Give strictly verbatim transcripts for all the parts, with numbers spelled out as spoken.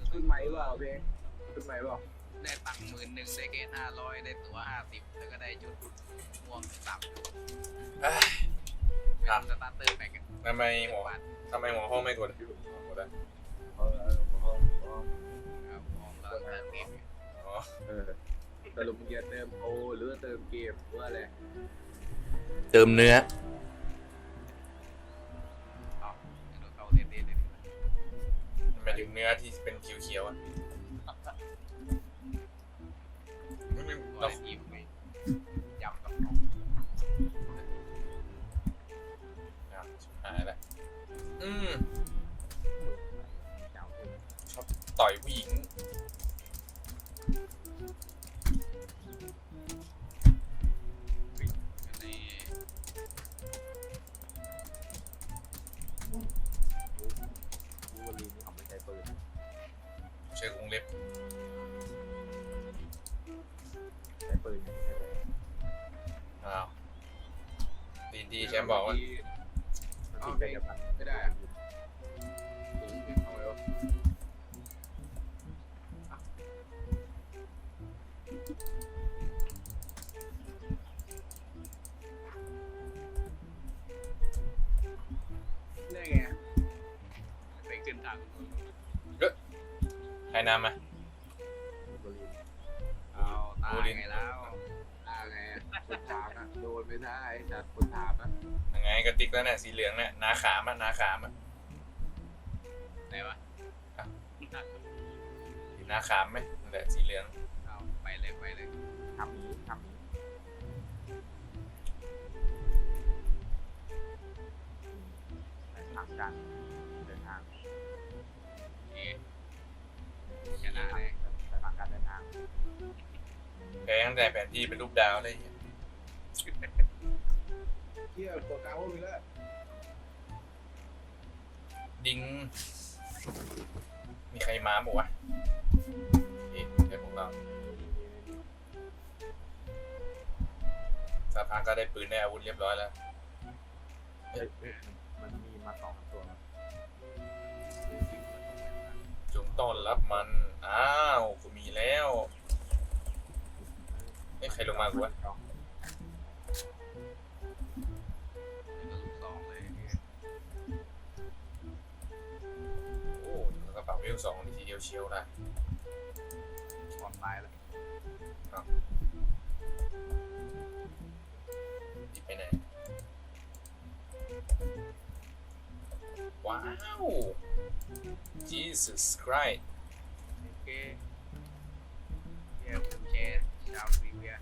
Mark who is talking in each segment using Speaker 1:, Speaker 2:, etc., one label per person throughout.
Speaker 1: ขึ้นไหมเปล่าเพลงขึ้นไหมเปล่า
Speaker 2: ได้ตังค์หมื่นหนึ่งได้เกณฑ์ห้าร้อยได้ตั๋วห้าสิบแล้วก็ได้ชุดม่วงสับเป็นสตาร์เตอร์แม็ก
Speaker 3: ทำไมหัวทำไมหัวห้องไม่กดหมดอ่ะ
Speaker 1: เออเออห้องห้อง
Speaker 2: ครับมองแล้วเติมเกม
Speaker 3: อ๋อ
Speaker 1: เออสรุปมึงจะเติมโอหรือเติมเกมหรือว่าอะไร
Speaker 4: เติมเนื้อ
Speaker 2: เอาเดี๋ยวเขาเล่นเล่นเลย
Speaker 3: หมายถึงเนื้อที่เป็นเขียวๆอ่ะไม่ไม่
Speaker 2: ก็
Speaker 3: เรา
Speaker 2: เล่นยิ้มไปยำกับ
Speaker 3: อ่ะหายละอืม
Speaker 1: เจ้าเอง
Speaker 3: ชอบต่อยผู้หญิง
Speaker 2: ใน
Speaker 1: บูวอลีนี่เขาไม่ใช้ปืน
Speaker 3: ใช้กรงเล็บ
Speaker 1: ใช้ปืนไม่ใช้เลย
Speaker 3: อ้าวดีดีแชมป์บอกว่า
Speaker 1: มันติดกับมันไม่ได้อะถึงถึงเอาไว้วะได้ไง
Speaker 2: ไปขึ้นทาง
Speaker 3: ใครนำมา
Speaker 1: บูวอลี
Speaker 2: เอาตายไงแล้ว
Speaker 1: อ่าไงอะคนถามอะโดนไม่ได้จัดคนถามอะ
Speaker 3: ยังไงกระติกแล้วเนี่ยสีเหลืองเนี่ยนาขามอ่ะนาขามอ่ะ
Speaker 2: ไหนวะ
Speaker 3: สีนาขามไหมนั่นแหละสีเหลือง
Speaker 2: เอาไปเลยไปเลย
Speaker 1: ทำนี้ทำนี้ไปทางการเดินทาง
Speaker 2: เอ๊ะชนะเลย
Speaker 1: ไปทางการเดินทาง
Speaker 3: แพ้ตั้งแต่แผนที่เป็นรูปดาวเลย
Speaker 1: เที่ยวตัวกลางพวกนี้แล้ว
Speaker 3: ดิงมีใครมาบอกวะเอ๊ะเดี๋ยวพวกเราสักพักก็ได้ปืนได้อาวุธเรียบร้อยแล้ว
Speaker 1: เอ้ยมันมีมาสองตัวนะ
Speaker 3: จงต้อนรับมัน อ้าวกูมีแล้วเอ้ยใครลงมากูวะ
Speaker 2: ลูกสองเลย
Speaker 3: โอ้กระเป๋าเวลสองนี่ทีเดียวเชียวนะ
Speaker 2: ก่อนตายแล้ว
Speaker 3: ดิไปไหน ว้าว Jesus Christ
Speaker 2: โอเคเยี่ยมแชร์ชาวซีเวีย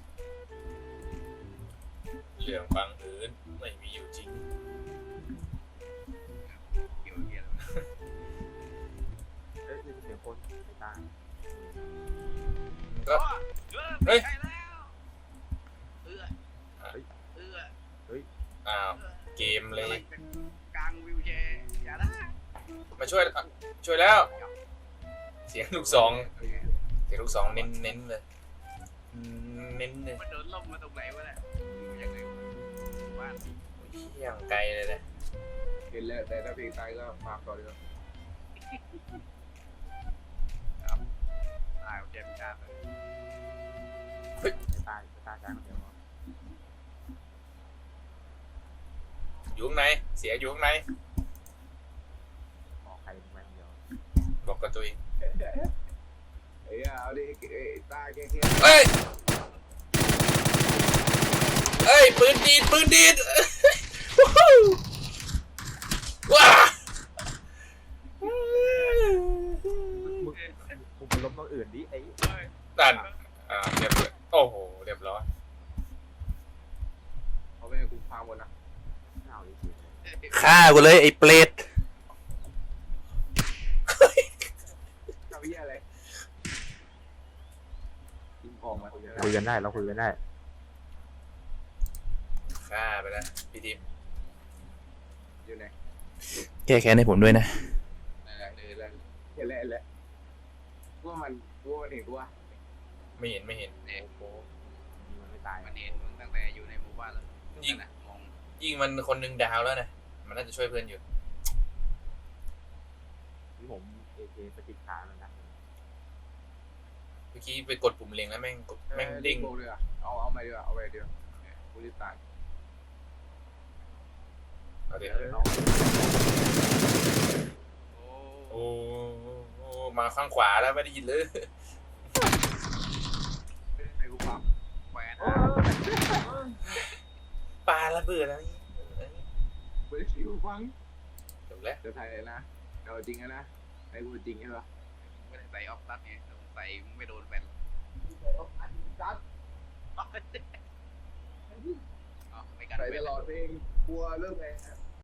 Speaker 3: เรื่องบังเอิญไม่มีอยู่จริง
Speaker 2: เกี่ยวเกี่ยว
Speaker 1: เอ้ยนี่เสียงคนไม่ตาย
Speaker 3: ก็
Speaker 2: เฮ้ยแล้วเอื้อเอื้อ
Speaker 3: อ้าวเกมเลย
Speaker 2: กลางวิวแชร์อย่าได้
Speaker 3: มาช่วยอ่ะช่วยแล้ว เสียงลูกสองเสียงลูกสองเน้นเน้นเลยเน้นเลย
Speaker 2: มันโดนล่มมาตรงไหนวะเนี่ยยังไงบ้าน
Speaker 3: เที่ยงไกลเลยนะ
Speaker 1: เห็นแล้วแต่ถ้าเพลงตายก็ฝากต่อเลย
Speaker 2: ตายเจ็บจ้าเลย
Speaker 1: ไม่ตายไม่ตายใจคนเดียว
Speaker 3: อยู่ข้างในเสียอยู่ข้างใน
Speaker 1: ขอใครเป็นคนเดียว
Speaker 3: บอกกับตัวเอง
Speaker 1: เอ้ยเอาดิเอ้ยตายแค่แค่
Speaker 3: เอ้ยเอ้ยปืนดีดปืนดีดว้า
Speaker 1: มึงมึงเป็นล้มต้องอื่นดิไอ้
Speaker 3: ดันอ่าเรียบร้อยโอ้โหเรียบร้อย
Speaker 1: เขาไม่ให้กูพาหมดนะเอาดิสิ
Speaker 4: ฆ่ากูเลยไอ้เปรต
Speaker 1: ทำเหี้ยอะไรกินของมา
Speaker 5: คุยกันได้เราคุยกันได้
Speaker 3: ฆ่าไปแล้วพี่ทีม
Speaker 1: อยู่ไหน
Speaker 4: แก้แค้นให้ผมด้วยนะ
Speaker 1: นั่นแหละเลยแล้วเห็นแล้วเห็นแล้วว่ามันว่ามันเห็นว่า
Speaker 3: ไม่เห็นไม่เห็น
Speaker 2: เนี่ย
Speaker 1: โอ้มันไม่ตาย
Speaker 2: มันเห็นมึงตั้งแต่อยู่ในหมู่บ้านแล้ว
Speaker 3: ยิง
Speaker 2: นะมอง
Speaker 3: ยิงมันคนหนึ่งดาวแล้วนะมันน่าจะช่วยเพื่อนอยู่
Speaker 1: ที่ผมผเอเคสกิดขาแล้วนะ
Speaker 3: เมื่อกี้ไปกดปุ่มเล็งแล้วแม่งกดแม่งเด้ง
Speaker 1: โบเลยอะเอาเอาไปดีกว่าเอาไปดีกว่ากูรีบตาย
Speaker 3: เอาเดี๋ยว
Speaker 1: เอา
Speaker 2: โอ้
Speaker 3: โอ้โอ้มาข้างขวาแล้วไม่ได้ยินเลย
Speaker 1: ไอ้กูปั๊ม
Speaker 2: แหวน
Speaker 1: โอ้
Speaker 3: ปลาระเบิดแล้วนี่
Speaker 1: ไม่ได้ชิวฟัง
Speaker 3: จบแล้ว
Speaker 1: จะไทยนะเอาจริงนะไอ้กูจริงใช่ปะ
Speaker 2: ไม่ได้ใส่ออฟตัดไงใส่ไม่โดนแบน
Speaker 1: จัด
Speaker 2: อ๋อไม่กัน
Speaker 1: ใส่
Speaker 2: เว้
Speaker 1: ต
Speaker 2: น
Speaker 1: ลอดเพลงกลัวเรื่องไง